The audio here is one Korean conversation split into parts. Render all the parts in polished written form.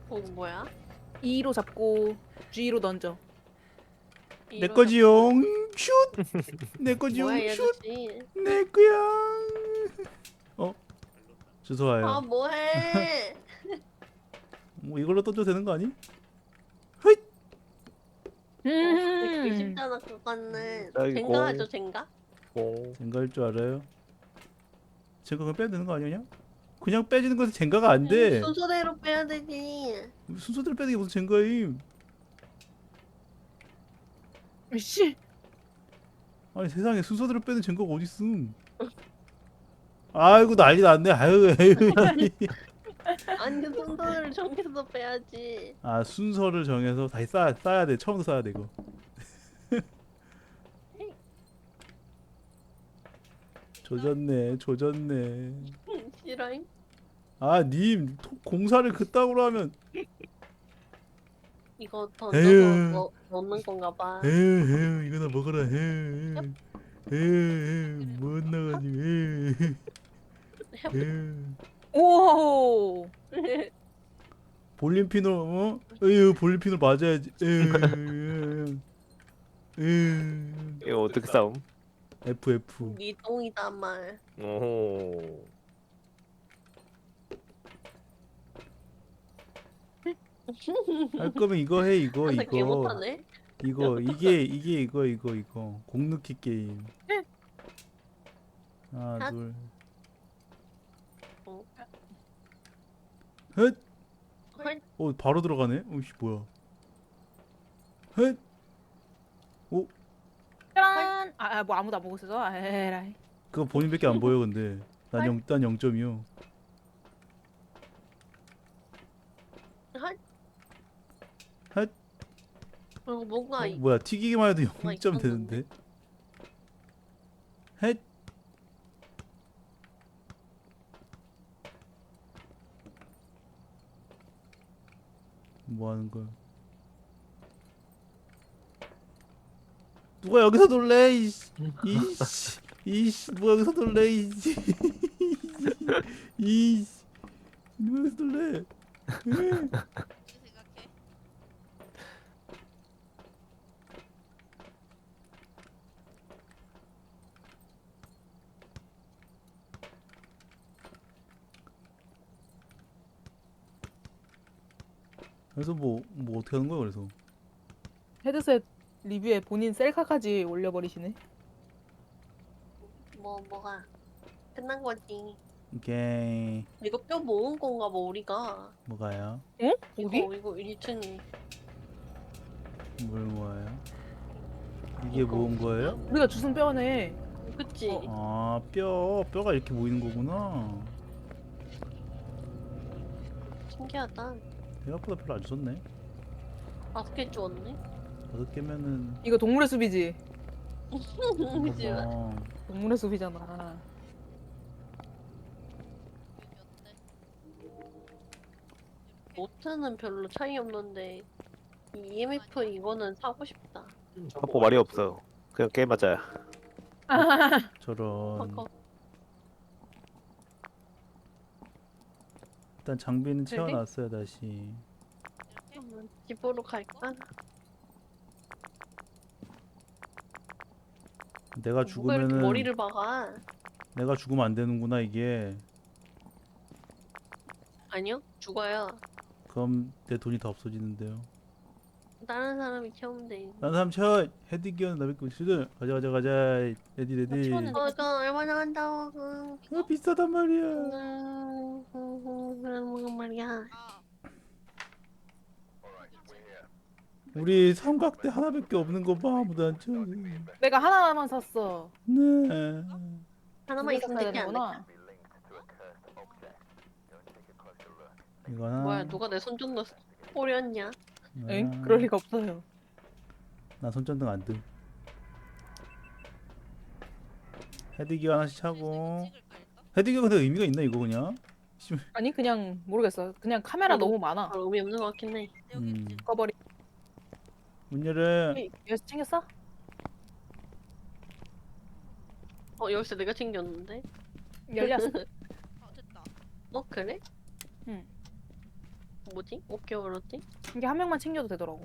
뭐야? E로 잡고 G로 던져. 내 거지용 슛. 내 뭐야 거지용 이 슛. 아저씨? 내 거야. 주소와요. 아 뭐해? 뭐 이걸로 던져도 되는 거 아니? 되게 쉽잖아 그거는. 아이고. 젠가 하죠 젠가? 젠가일 줄 알아요? 젠가 그냥 빼야 되는 거 아니냐? 그냥 빼지는 것은 젠가가 안 돼. 순서대로 빼야 되지. 순서대로 빼는 게 무슨 젠가임? 씨. 아니 세상에 순서대로 빼는 젠가가 어딨음? 아이고 난리 났네. 아유 에휴. 아니 순서대로 정해서 빼야지. 아 순서를 정해서 다시 쌓아야 돼. 처음부터 쌓아야 돼 이거. 조졌네. 싫어잉? 아 님 공사를 그따구로 하면 이거 에휴. 던져서 넣는 건가 봐. 에휴 이거나 먹어라. 에휴 못 나가지고 에휴. 오. 볼륨핀으로 어? 에휴 볼륨핀으로 맞아야지. 에휴. 이거 어떻게 싸움? FF. 네 똥이다 말. 오. 할 거면 이거 해 이거 항상 개 이거 못하네. 이게 이거 공넣기 게임. 하나 핫. 둘. 어. 헷. 헐. 바로 들어가네. 오씨 뭐야? 헷. 짠. 뭐 아무도 안 보고 있어서. 에라이. 그거 본인밖에 안 보여 근데. 난 0점이요. 헐. 핫. 뭔가 뭐야 튀기기만 해도 뭐가 0점 있었는데? 되는데. 헷. 뭐 하는 거야? 누가 여기서 놀래? 이씨 누가 여기서 놀래? 이씨 누가 여기서 놀래? 그래서 뭐 어떻게 하는 거야 그래서? 헤드셋 리뷰에 본인 셀카까지 올려버리시네. 뭐가 끝난 거지. 오케이. 이거 뼈 모은 건가 봐 우리가. 뭐가요? 응? 어디? 이거 1층이. 뭘 모아요? 이게 이거. 모은 거예요? 우리가 주순 뼈네. 그치? 아 뼈가 이렇게 모이는 거구나. 신기하다. 생각보다 별로 안 좋네. 5개 주웠네. 5개면은 이거 동물의 숲이지. 그치? 동물의 숲이잖아. 노트는 별로 차이 없는데 이 EMF 이거는 사고 싶다. 확보 말이 없어. 그냥 게임하자. 저런. 아까 일단 장비는 그래? 채워놨어요 다시. 집으로 갈까? 내가 누가 이렇게 죽으면은 머리를 박아? 내가 죽으면 안 되는구나 이게. 아니요, 죽어요. 그럼 내 돈이 다 없어지는데요. 다른 사람이 채우면 돼. 난 사람 채워. 헤드기어는 나밖에 없거든. 가자. 레디. 채웠는데. 이거 얼마나 한다고? 비싸단 말이야. 그런 말이야. 우리 삼각대 하나밖에 없는 거 봐. 아무도 안 채워. 내가 하나만 샀어. 네. 하나만 있으면 사야 되지 않을까? 되는구나. 이거나. 뭐야, 누가 내 손전등 오렸냐? 엥? 그럴 리가 없어요. 나 손전등 안 뜸. 헤드기어 하나씩 차고. 헤드기어 근데 의미가 있나 이거 그냥? 아니 그냥 모르겠어. 그냥 카메라 저도- 너무 많아. 별 의미 없는 것 같긴 해. 꺼버리. 문 열어. 여기서 챙겼어? 열쇠 내가 챙겼는데? 열렸어. 그래? 응. 뭐지? 어깨 얼었지? 이게 한 명만 챙겨도 되더라고.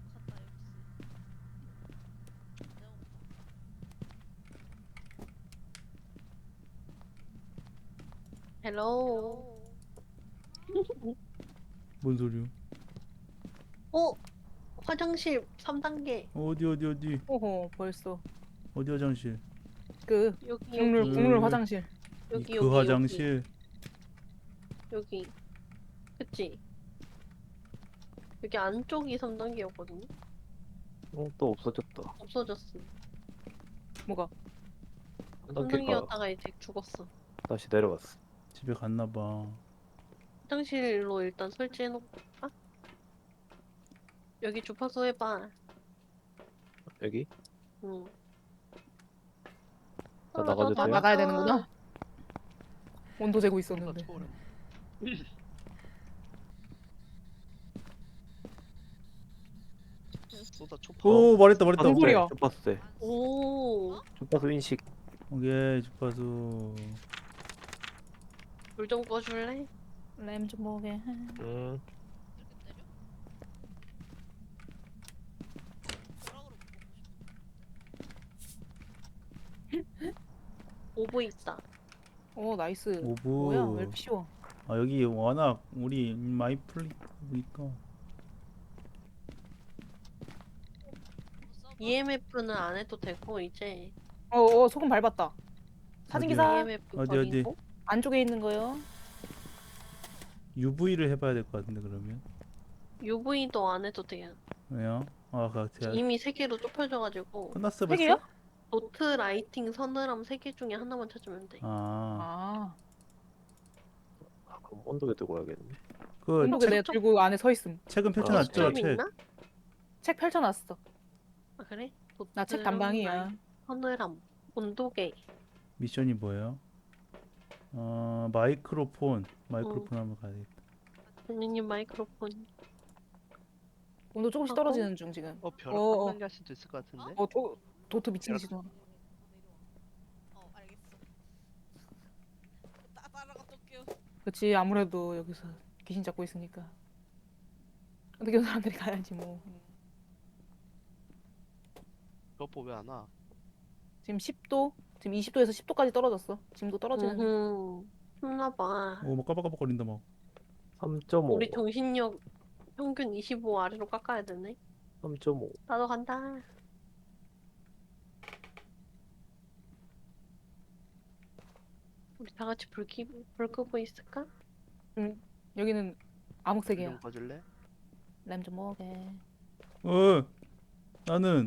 헬로. 뭔 소리야? 어? 화장실 3단계. 어디 오호 벌써 어디 화장실? 그 여기 국룰 화장실. 여기 그 화장실. 여기. 그치? 여기 안쪽이 3단계였거든요? 또 없어졌다. 없어졌어. 뭐가? 3단계가 3단계였다가 이제 죽었어. 다시 내려갔어. 집에 갔나 봐. 화장실로 일단 설치해놓을까? 여기 주파수 해봐. 여기? 응. 나 나가도 돼요? 나가야 되는구나. 온도 재고 쏜다 있었는데. 초월해. 쏘다 초파. 오 말했다 말했다. 뭔 소리야? 주파수. 오, 주파수 인식. 오케이 주파수. 물 좀 꺼줄래? 램 좀 먹게. 음. 오브 있다. 오 나이스. 오브. 뭐야 왜 이렇게 쉬워? 아 여기 워낙 우리 마이 플레이니까. EMF는 안 해도 되고 이제 소금 밟았다. 사진 어디요? 기사 EMF 어디? 버리고 안쪽에 있는 거요. UV를 해봐야 될 것 같은데 그러면. UV도 안 해도 돼요. 왜요? 아 제가 이미 3개로 좁혀져가지고 끝났어 세 벌써? 개요? 도트, 라이팅, 서늘함 3개 중에 하나만 찾으면 돼. 아. 그럼 온도계 들고 와야겠네. 그 온도계 내가 들고 안에 서 있음. 책은 아, 펼쳐놨죠? 시점 책. 있나? 책 펼쳐놨어. 아 그래? 나 책 도트랑 단방이야. 라이팅, 서늘함, 온도계. 미션이 뭐예요? 마이크로폰 한번 가야겠다. 선생님 마이크로폰. 온도 조금씩 떨어지는 중 지금. 벼락 어. 빨리 할 수도 있을 것 같은데. 도트 미친 듯이 도 알겠어. 따라갔다 올게요. 그렇지 아무래도 여기서 귀신 잡고 있으니까. 어떻게 사람들이 가야지 뭐. 벼보 왜안 와? 지금 10도, 지금 20도에서 10도까지 떨어졌어. 지금도 떨어지는 중. 힘나봐. 막 까박까박거린다 막. 3.5. 우리 정신력 평균 25 아래로 깎아야 되네. 3.5. 나도 간다. 우리 다 같이 불 끄고 있을까? 여기는 암흑색이야. 좀 봐줄래? 램 좀 먹게. 나는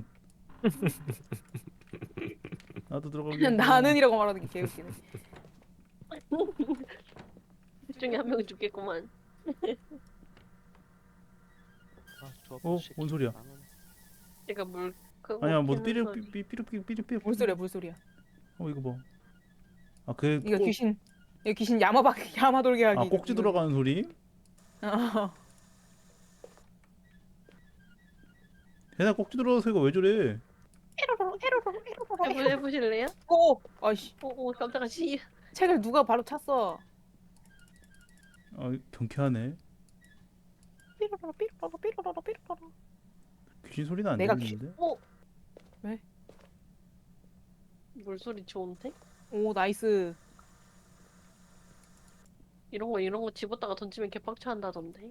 나도 들어가게. 나는이라고 말하는 게 개웃기네. 둘 중에 한 명 죽겠구만. 아 좋아. 뭔 소리야? 제가 물 끄고 아니야 뭐 키는 소리. 삐삐삐삐삐삐. 물소리야 물소리야. 이거 봐. 그 이거 귀신 야마돌게 하기. 꼭지 들어가는 소리? 어. 걔네 꼭지 들어가서 이거 왜 저래? 해보실래요? 오, 아이씨. 오 깜짝아 씨. 책을 누가 바로 찼어. 경쾌하네. 삐로로로 삐로로로 삐로로로 삐로로로. 귀신 소리는 안 내가 들리는데? 물소리 좋은데? 오 나이스. 이런 거 집었다가 던지면 개빡쳐 한다던데.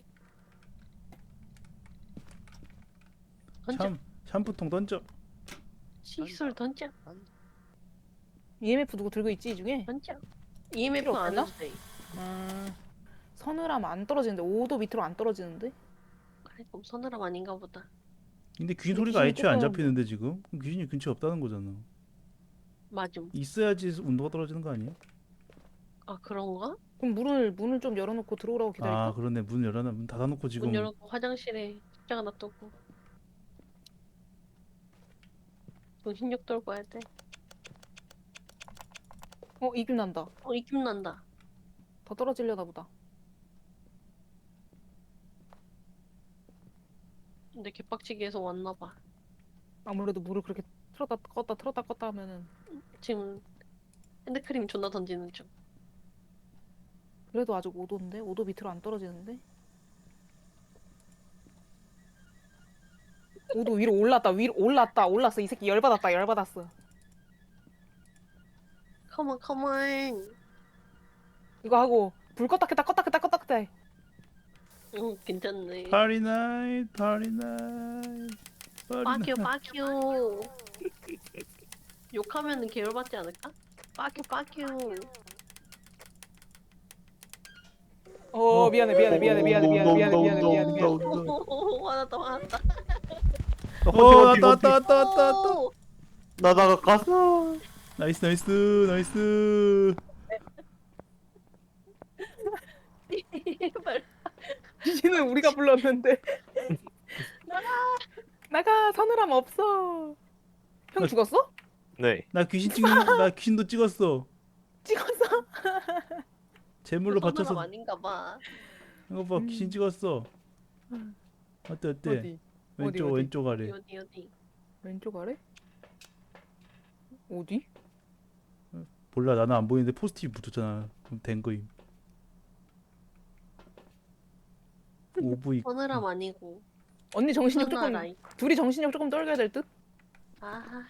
던져. 샴푸통 던져. 시술 던져. EMF 누구 들고 있지 이 중에? 던져. EMF 필요 안 없나? 해도 돼. 서늘함 안 떨어지는데 5도 밑으로 안 떨어지는데? 그래 그럼 서늘함 아닌가 보다. 근데 귀신 근데 소리가 귀신이 애초에 안 조금- 잡히는데 지금? 그럼 귀신이 근처에 없다는 거잖아. 맞음. 있어야지 온도가 떨어지는 거 아니야? 아 그런가? 그럼 문을 좀 열어놓고 들어오라고 기다릴까? 아 그러네. 문 열어놔. 문 닫아놓고 지금. 문 열고 화장실에 십자가 놔두고. 정신력 돌고 해야 돼. 입김 난다. 입김 난다. 더 떨어지려나 보다. 근데 개빡치게 해서 왔나봐. 아무래도 물을 그렇게 틀었다 껐다 하면은 지금 핸드크림 존나 던지는 중. 그래도 아직 5도인데? 5도 밑으로 안 떨어지는데? 오도 위로 올랐다. 위로 올랐어. 이 새끼 열받았다. 열받았어. 컴온 컴온. 이거 하고 불 껐다 켰다 껐다 켰다 껐다 켰다 해. 응 괜찮네. 파리 나잇 파리 나잇 파리 빠큐 나잇. 빠큐. 욕하면은 계열받지 않을까? 빠큐 빠큐. 미안해. 화났다 화났다. 왔다 오! 나 나갔어. 나이스 제발. 귀신은 우리가 불렀는데. 나가 서늘함 없어. 형 나- 죽었어? 네. 나 귀신도 찍었어. 찍었어? 제물로 서늘함 바쳐서 아닌가 봐. 이거 봐 귀신 찍었어. 어때 어디? 왼쪽 어디? 왼쪽 아래. 어디. 왼쪽 아래? 어디? 몰라 나는 안 보이는데 포스트잇 붙었잖아. 그럼 된 거임. 오브이. 서늘함 아니고. 언니 정신력 조금 서늘함. 둘이 정신력 조금 떨겨야 될 듯? 아.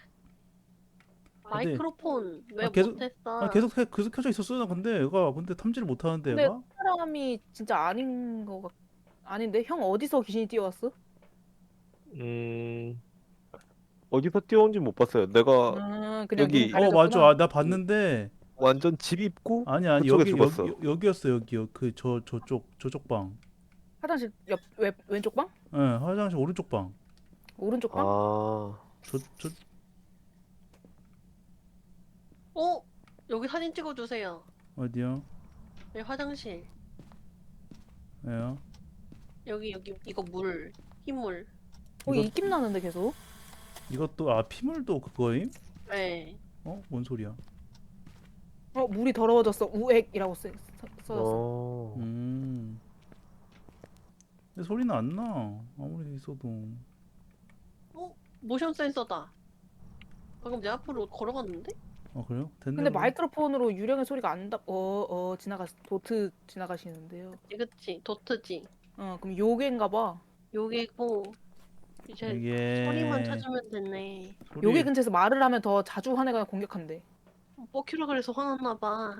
마이크로폰 왜 아, 계속- 못했어? 계속 켜져 있었어. 나 근데 얘가 탐지를 못 하는데 근데 얘가. 사람이 진짜 아닌데 형 어디서 귀신이 뛰어왔어? 어디서 뛰어온지 못 봤어요. 내가 그냥 여기- 눈 가려졌구나. 맞아. 나 봤는데 완전 집 입구 아니 그쪽에 여기 죽었어. 여기였어 여기요. 그 저쪽 방. 화장실 왼쪽 방? 예, 화장실 오른쪽 방. 오른쪽 방? 아, 저 어? 여기 사진 찍어주세요. 어디요? 여기 화장실. 예요. 여기 이거 물. 흰물. 거기 이거- 입김 나는데 계속. 이것도 피물도 그거임? 네. 뭔 소리야? 물이 더러워졌어. 우액이라고 써졌어. 어, 근데 소리는 안 나. 아무리 있어도. 모션 센서다. 방금 내 앞으로 걸어갔는데? 그래요? 됐네. 근데 그럼. 마이크로폰으로 유령의 소리가 안 다. 도트 지나가시는데요. 그치. 도트지. 그럼 요괴인가 봐. 여기고 이제 이게 소리만 찾으면 됐네. 요괴 근처에서 말을 하면 더 자주 화내가 공격한대. 뻑큐라 그래서 화났나 봐.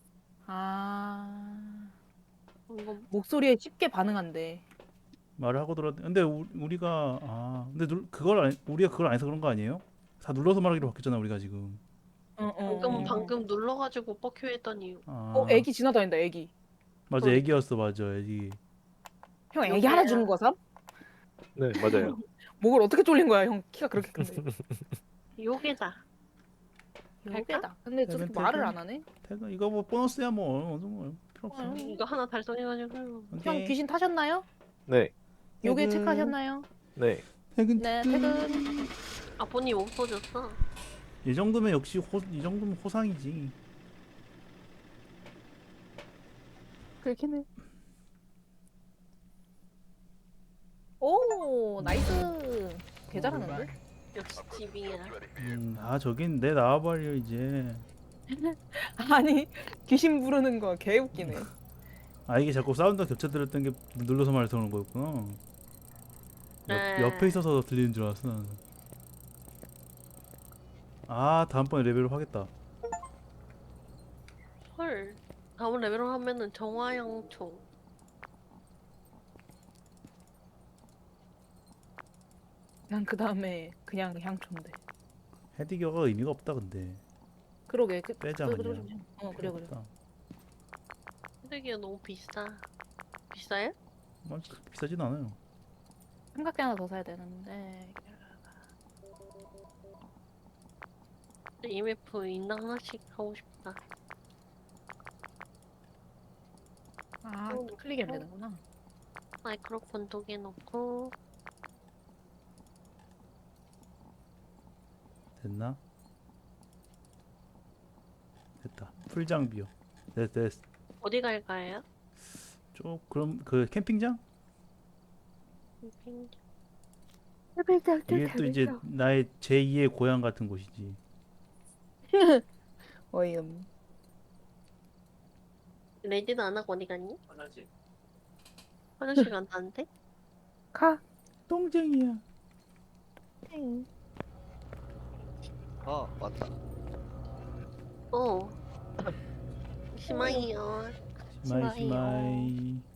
아. 이거 목소리에 쉽게 반응한대. 말을 하고 들었. 근데 우리가 근데 우리가 그걸 안 해서 그런 거 아니에요? 다 눌러서 말하기로 바뀌었잖아 우리가 지금. 방금 눌러가지고 뻑큐 했더니 애기 지나다닌다. 애기. 맞아 소리. 애기였어 맞아 애기. 형 애기 요괴야. 하나 주는 거야, 삼? 네 맞아요. 목을 어떻게 졸린 거야, 형 키가 그렇게 큰데. 요괴다. 요괴다. 근데 저렇게 퇴근, 말을 퇴근. 안 하네. 태그 이거 뭐 보너스야 뭐 필요 없어. 이거 하나 달성해가지고 형 오케이. 귀신 타셨나요? 네, 요괴 퇴근. 체크하셨나요? 네. 퇴근. 네, 퇴근. 아버님 없어졌어. 이 정도면 역시 이 정도면 호상이지. 그렇긴 해. 오, 나이스. 개 잘하는데? 역시 집이야. 저긴 내 나와버려 이제. 아니, 귀신 부르는 거 개 웃기네. 이게 자꾸 사운드가 겹쳐들었던 게 눌러서 말해서 그런 거였구나. 네. 옆에 있어서 들리는 줄 알았어 나는. 다음번에 레벨업 하겠다. 헐. 다음 레벨업 하면은 정화영총. 난 그 다음에 그냥 향초인데. 헤디겨가 의미가 없다 근데. 그러게. 빼자, 그래. 그냥. 그래. 없다. 쓰레기가 너무 비싸. 비싸요? 비싸진 않아요. 삼각대 하나 더 사야 되는데. EMF 인당 하나씩 하고 싶다. 클릭이 안 되는구나. 마이크로폰 2개 넣고 됐나? 됐다. 풀 장비요. 됐. 어디 갈까요? 그럼 그 캠핑장? 캠핑. 이게 또 이제 나의 제2의 고향 같은 곳이지. 어이음. 레디도 안 하고 어디 갔니? 화장실 간다는데? 가. 똥쟁이야. 엥. 아 맞다. 어. 심하이요. 시마이 심하이요. 시마이.